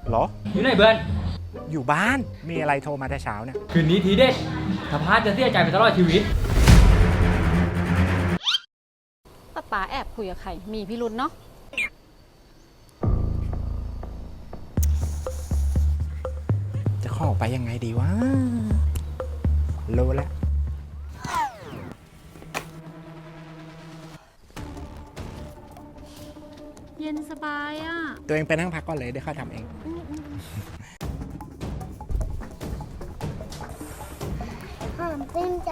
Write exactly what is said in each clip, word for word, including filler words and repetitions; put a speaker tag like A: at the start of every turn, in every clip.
A: เหรอ
B: อยู่ไหนเบิร์น
A: อยู่บ้านมีอะไรโทรมาแต่เช้าเนี่ย
B: คืนนี้ทีเด็ดถ้าพลาดจะเสียใจไปตลอดชีวิต
C: ป้าป๋าแอบคุยกับใครมีพิรุธเนาะ
A: จะเข้าไปยังไงดีวะรู้แล้ว
C: เย็นสบายอ่ะ
A: ตัวเองไปนั่งพักก่อนเลยเดี๋ยวข้าทำเอง
D: หอมชื่นใจ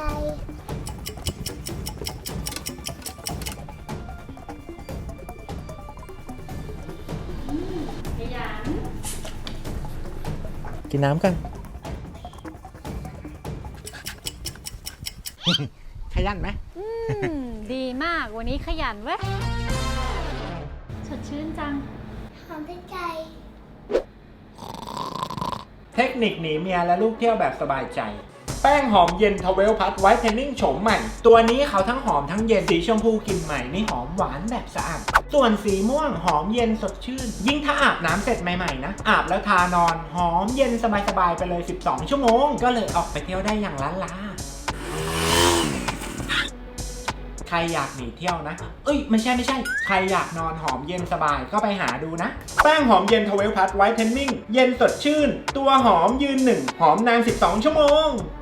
A: กินน้ำกัน ขยันไหม
C: อืมดีมากวันนี้ขยันเว้ยสดชื่นจัง
D: หอมชื่นใจ
A: เทคนิคหนีเมียและลูกเที่ยวแบบสบายใจแป้งหอมเย็นทเวลพัทไวท์เทนนิ่งโฉมใหม่ตัวนี้เขาทั้งหอมทั้งเย็นสีชมพูกลิ่นใหม่นี่หอมหวานแบบสะอาดส่วนสีม่วงหอมเย็นสดชื่นยิ่งถ้าอาบน้ำเสร็จใหม่ๆนะอาบแล้วทานอนหอมเย็นสบายๆไปเลยสิบสองชั่วโมงก็เลยออกไปเที่ยวได้อย่างล้านลาใครอยากหนีเที่ยวนะเอ้ยไม่ใช่ไม่ใช่ใครอยากนอนหอมเย็นสบายก็ไปหาดูนะแป้งหอมเย็นทเวลพัทไวท์เทนนิ่งเย็นสดชื่นตัวหอมยืนหนึ่งหอมนานสิบสองชั่วโมง